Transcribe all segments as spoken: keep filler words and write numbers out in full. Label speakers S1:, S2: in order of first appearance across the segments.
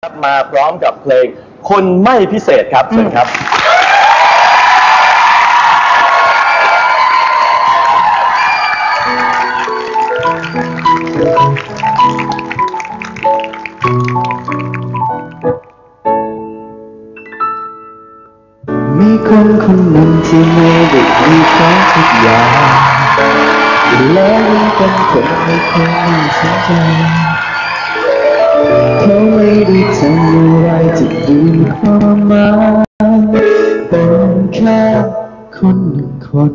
S1: มาพร้อมกับเพลงคนไม่พิเศษครับเชิญครับ
S2: มีคนคนหนึ่งที่ไม่ได้มีของทุกอย่างแล้วยังเป็นคนไม่เคยมีสนใจเขาไม่ได้ทำอะไรจะดูความหมายเป็นแค่คนหนึ่งคน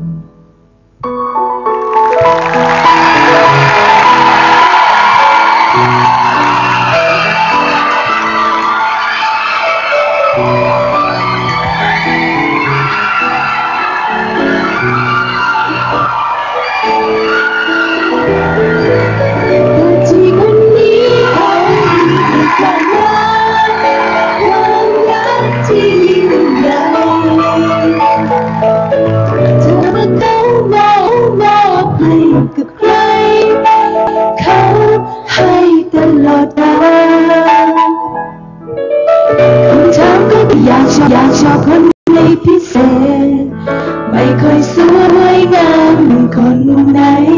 S2: กับใครเขาให้ตลอดกาลคำถามก็อยากชอบอยากชอบคนในพิเศษไม่ค่อยสวยงามเหมือนคนไหน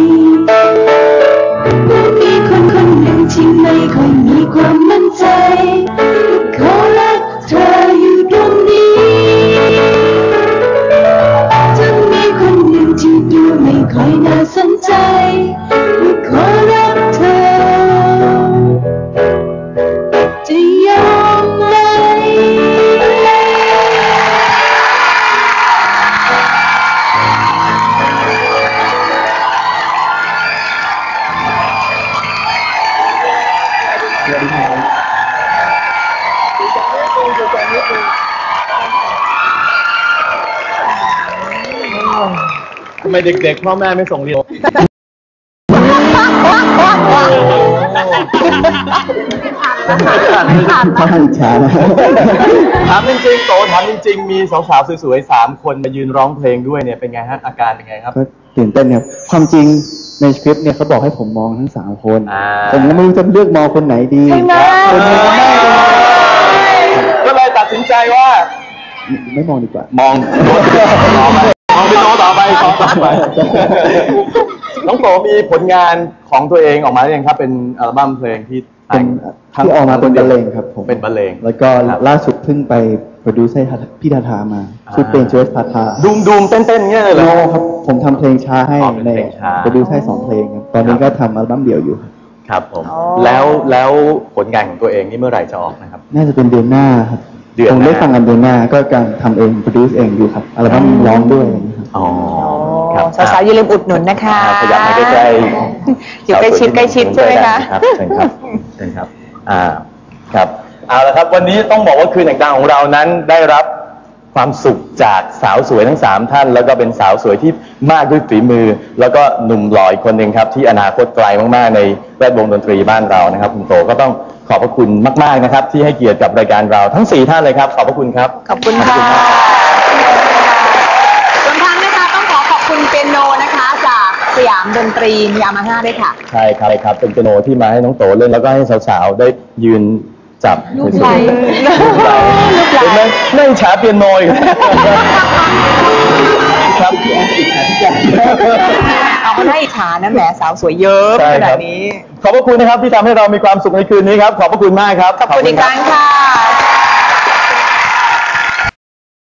S2: มันมีคนคนหนึ่งที่ไม่ค่อยมีความมั่นใจเขารักเธออยู่ตรงนี้จะมีคนหนึ่งที่ดูไม่ค่อยน่าสนใจขอรักเธอจะยอมไหม
S1: ทำไมเด็กๆพ่อแม่ไม่ส่งเรียน
S2: ถ้าอิจฉานะ
S1: ถามจริงๆโตถามจริงๆมีสาวๆสวยๆสามคนมายืนร้องเพลงด้วยเนี่ยเป็นไงฮะอาการเป็นไงครับ
S2: ก็ตื่นเต้นครับความจริงในสคริปต์เนี่ยเขาบอกให้ผมมองทั้งสามคนผมก็ไม่รู้จะเลือกมองคนไหนดีคนนี้ก็ไม่
S1: ก็เลยตัดสินใจว่า
S2: ไม่มองดีกว่าม
S1: องมองมองไปโตต่อไปต่อไปน้องโตมีผลงานของตัวเองออกมาหรือยังครับเป็นอัลบั้มเพลงที่
S2: เป็นที่ออกมาเป็นบรรเลงครับผม
S1: เป็นบรรเลง
S2: แล้วก็ล่าสุดเพิ่งไปโปรดิวซ์ให้พี่ทาทามาชื่อเพลงเจสทาทา
S1: ดูมดูมเต้นเต้นเงี้ยเลยเหรอ
S2: ครับผมทำเพลงช้าให้ในโปรดิวซ์ให้สองเพลงครับตอนนี้ก็ทำอัลบั้มเดี่ยวอยู่
S1: ครับผมแล้วแล้วผลงานของตัวเองนี่เมื่อไหร่จะออกนะครับ
S2: น่าจะเป็นเดือนหน้าครับผมได้ฟังกันเดือนหน้าก็การทำเองโปรดิวซ์เองอยู่ครับอัลบั้มร้องด้วย
S1: อ๋อ
S3: สาวๆอย่าลืมอุดหนุนนะคะ
S1: ขยับมาใกล้
S3: ๆอยู่ใกล้ชิดใกล้ชิดใช่ไหมคะ
S1: ครับเชิญครับเชิญครับอ่าครับเอาละครับวันนี้ต้องบอกว่าคืนแห่งดาวของเรานั้นได้รับความสุขจากสาวสวยทั้งสามท่านแล้วก็เป็นสาวสวยที่มากด้วยฝีมือแล้วก็หนุ่มหล่ออีกคนหนึ่งครับที่อนาคตไกลมากๆในแวดวงดนตรีบ้านเรานะครับคุณโตก็ต้องขอบพระคุณมากๆนะครับที่ให้เกียรติกับรายการเราทั้งสี่ท่านเลยครับขอบพระคุณครับ
S3: ขอบคุณค่ะส่วนทางนะคะต้องขอขอบคุณเปียโนนะคะจากสยามดนตรียามาฮ่าด้วยค่ะ
S1: ใช่ครับครับเป็นเปียโนที่มาให้น้องโตเล่นแล้วก็ให้สาวๆได้ยืนจับ
S3: ลูกไหล
S1: ลูกไหลเห็นไหมไม่ฉาเปียโนอีกครับ
S3: เอาก็ได้อิจฉานะแหมสาวสวยเยอะขนาดนี้
S1: ขอบพระคุณนะครับที่ทำให้เรามีความสุขในคืนนี้ครับขอบพระคุณมากครับ
S3: ขอบคุณอีกครั้งค่ะ